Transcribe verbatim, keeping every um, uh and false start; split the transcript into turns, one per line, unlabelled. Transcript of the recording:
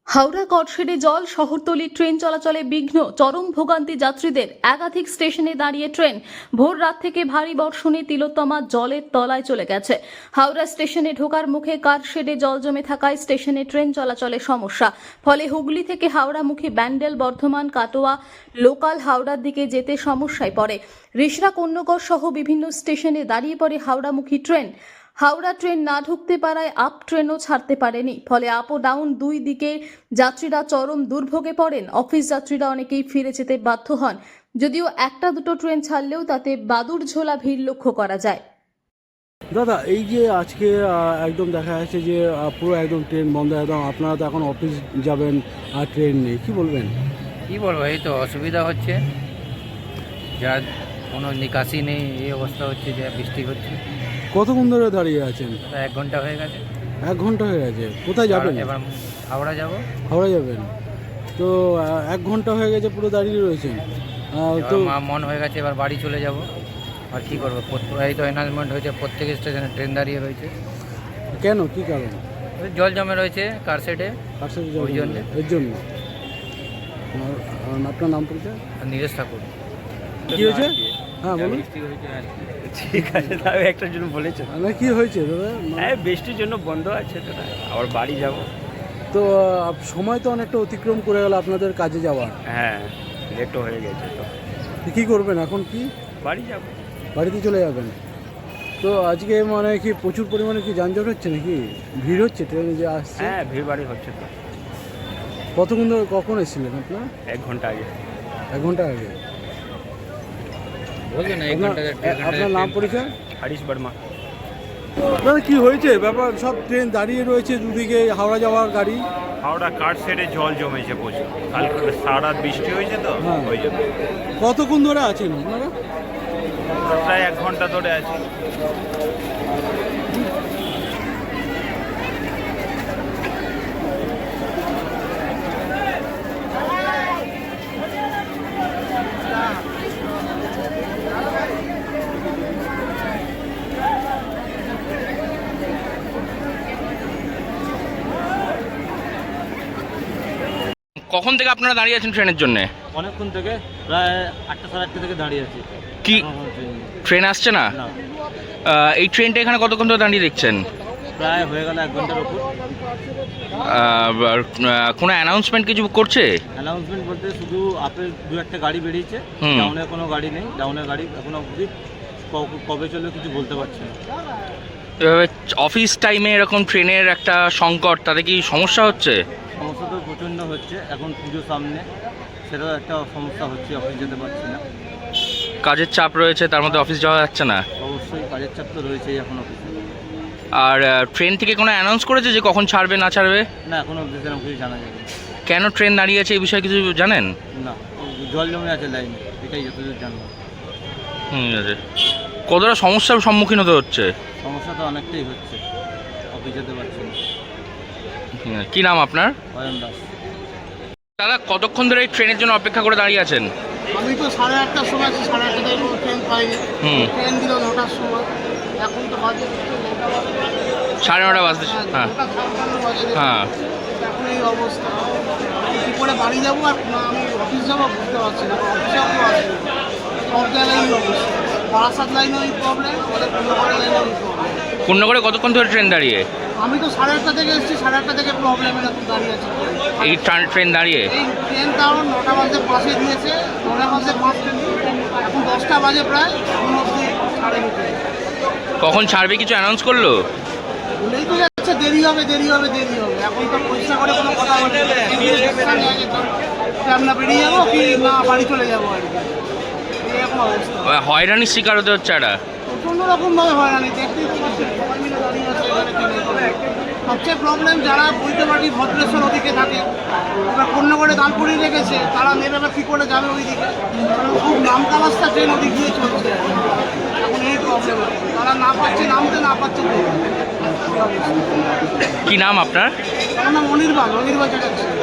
হাওড়া কটশেডে জল, শহরতলি ট্রেন চলাচলে বিঘ্ন, চরম ভোগান্তি যাত্রীদের। একাধিক স্টেশনে দাঁড়িয়ে ট্রেন। ভোর রাত থেকে ভারী বর্ষণে তিলোত্তমা জলের তলায় চলে গেছে। হাওড়া স্টেশনে ঢোকার মুখে কারশেডে জল জমে থাকায় স্টেশনে ট্রেন চলাচলে সমস্যা। ফলে হুগলি থেকে হাওড়ামুখী ব্যান্ডেল, বর্ধমান, কাটোয়া লোকাল হাওড়ার দিকে যেতে সমস্যায় পড়ে। রিষড়া, কন্যগর সহ বিভিন্ন স্টেশনে দাঁড়িয়ে পড়ে হাওড়ামুখী ট্রেন। হাওড়া ট্রেন না ঢুকতে পারায় আপ ট্রেনও ছাড়তে পারেনি। ফলে আপ ও ডাউন দুই দিকে যাত্রীরা চরম দুর্ভোগে পড়েন। অফিস যাত্রীরা অনেকেই ফিরে যেতে বাধ্য হন। যদিও একটা দুটো ট্রেন ছাড়লেও তাতে বাদুড় ঝোলা ভিড় লক্ষ্য করা যায়।
দাদা, এই যে আজকে একদম দেখা যাচ্ছে যে পুরো একদম ট্রেন বন্ধ, একদম আপনারা তো এখন অফিস যাবেন আর ট্রেন নেই, কি বলবেন?
কি বলবো, এই তো অসুবিধা হচ্ছে, যার কোনো নিকাশি নেই। এই অবস্থা হচ্ছে যে বৃষ্টি হচ্ছে।
কতক্ষণ ধরে দাঁড়িয়ে আছেন?
এক ঘন্টা হয়ে গেছে।
এক ঘন্টা হয়ে গেছে। কোথায় যাবেন?
এবার হাওড়া যাব।
হাওড়া যাবেন তো? এক ঘন্টা হয়ে গেছে পুরো দাঁড়িয়ে রয়েছেন তো?
মন হয়ে গেছে এবার বাড়ি চলে যাব। আর কি করবো, এই তো অ্যানাউন্সমেন্ট হয়েছে প্রত্যেক স্টেশনে ট্রেন দাঁড়িয়ে রয়েছে।
কেন, কি কারণ?
জল জমে রয়েছে কারশেডে,
কারশেডে
ওই জন্য।
এর জন্য। আপনার নাম পরিচয়?
নীরেশ ঠাকুর।
কি হয়েছে? হ্যাঁ বলুন।
ঠিক আছে, তাহলে একটার জন্য বলেছে
না, কি হয়েছে দাদা?
হ্যাঁ, বৃষ্টির জন্য বন্ধ আছে দাদা, আবার বাড়ি যাব।
তো সময় তো অনেকটা অতিক্রম করে গেল আপনাদের কাজে যাওয়ার।
হ্যাঁ, লেটও হয়ে গেছে, তো
কি করবেন এখন? কি
বাড়ি যাব,
বাড়িতে চলে যাবেন? তো আজকে মানে কি প্রচুর পরিমাণে কি যানজট হচ্ছে নাকি? ভিড় হচ্ছে ট্রেনে যে আসছে?
হ্যাঁ ভিড় বাড়ি হচ্ছে তো।
কতক্ষণ ধরে, কখন এসেছিলেন আপনার?
এক ঘন্টা আগে।
এক ঘন্টা আগে। আপনার নাম পরিচয়?
হরিশ বর্মা।
দাদা, কি হয়েছে ব্যাপার? সব ট্রেন দাঁড়িয়ে রয়েছে দুদিকে, হাওড়া যাওয়ার গাড়ি।
হাওড়া কারশেডে জল জমেছে প্রচুর, কালকে সারা রাত বৃষ্টি হয়েছে তো
হ্যাঁ।
ওই জন্য।
কতক্ষণ ধরে আছেন আপনারা?
প্রায় এক ঘন্টা ধরে আছি।
কখন থেকে আপনারা দাঁড়িয়ে আছেন ট্রেনের জন্য?
অনেকক্ষণ থেকে, প্রায় আটটা সাড়ে আটটা থেকে দাঁড়িয়ে আছি।
কি ট্রেন আসছে না? আহ, এই ট্রেনটা এখানে কতক্ষণ ধরে দাঁড়িয়ে দেখছেন?
প্রায় হয়ে গেল এক ঘন্টার উপর।
আহ, কোনো অ্যানাউন্সমেন্ট কিছু করছে?
অ্যানাউন্সমেন্ট বলতে শুধু আপেল দু একটা গাড়ি বেরিয়েছে,
হুম।
ডাউনের কোনো গাড়ি নেই। ডাউনের গাড়ি এখনো অবধি কবে চলবে কিছু বলতে পারছি না।
এভাবে অফিস টাইমে এরকম ট্রেনের একটা সংকট, তাতে কি সমস্যা হচ্ছে?
সমস্যা তো প্রচণ্ড হচ্ছে, এখন পুজো সামনে, সেটাও একটা সমস্যা হচ্ছে, অফিস যেতে পারছি না।
কাজের চাপ রয়েছে, তার মধ্যে অফিস যাওয়া যাচ্ছে না।
অবশ্যই কাজের চাপ তো রয়েছেই এখন অফিসে।
আর ট্রেন থেকে কোনো অ্যানাউন্স করেছে যে কখন ছাড়বে না ছাড়বে?
না, এখনো অবধি সেরকম কিছু জানা যাবে।
কেন ট্রেন দাঁড়িয়ে আছে এই বিষয়ে কিছু জানেন?
না, জল জমে আছে লাইনে, এটাই যতদূর জানবো।
হুম, আছে। কতটা সমস্যার সম্মুখীন হতে হচ্ছে?
সমস্যা তো অনেকটাই হচ্ছে, অফিস যেতে পারছি না।
হুম, কি নাম আপনার?
অয়ন দাস।
দাদা, কতক্ষণ ধরে এই ট্রেনের জন্য অপেক্ষা করে দাঁড়িয়ে আছেন?
আমি তো সাড়ে আটটার সময় আছি, সাড়ে আটটায় কোনো ট্রেন পাইনি।
হুম।
ট্রেন দিল নটার সময়, এখন তো বাজে
সাড়ে নটা বাজতে। হ্যাঁ
নটা ছাপ্পান্ন বাজে।
হ্যাঁ।
এখন এই অবস্থা, কী করে বাড়ি যাবো আর না আমি অফিস যাবো বুঝতে পারছি না। অফিসেও কেউ আসবে না, সব জায়গায় এই অবস্থা। বারাসাত লাইনেও এই প্রবলেম, আমাদের পূর্ণগড়ের লাইনেও এই প্রবলেম।
পূর্ণগড়ে কতক্ষণ ধরে ট্রেন দাঁড়িয়ে?
আমি তো সাড়ে আটটা থেকে এসেছি, সাড়ে আটটা থেকে প্রবলেম এরকম দাঁড়িয়ে আছি।
এই ট্রেন দাঁড়িয়ে?
এই ট্রেন তাও নটা বাজে পাশে দিয়েছে, নটা বাজে পাঁচ ট্রেন, এখন দশটা বাজে প্রায়, এখন অবধি ছাড়ে নিতে।
কখন ছাড়বে কিছু অ্যানাউন্স করলো?
বলেই তো যাচ্ছে দেরি হবে দেরি হবে দেরি হবে। এখন তো পরিষ্কার করে কোনো কথা বলে আমরা বেরিয়ে যাবো কি না বাড়ি চলে যাবো আর কি, এই এখন অবস্থা।
হয়রানির শিকার হতে হচ্ছে একটা।
প্রচণ্ড রকমভাবে হয়রানি, দেখতেই তো পাচ্ছি সবাই মিলে দাঁড়িয়ে আছে এখানে ট্রেনে। সবচেয়ে প্রবলেম যারা বৈদ্যবাড়ি ভদ্রেশ্বর ওদিকে থাকে, এবার পূর্ণগড়ে দাঁড় করিয়ে রেখেছে, তারা নেবে বা কী করে যাবে ওই দিকে। খুব নামকা রাস্তা, ট্রেন ওদিক দিয়ে চলছে, এখন এই প্রবলেম। তারা না পাচ্ছে নামতে, না পাচ্ছে।
কি নাম আপনার?
আমার নাম অনির্বাণ, অনির্বাণ চ্যাটার্জি।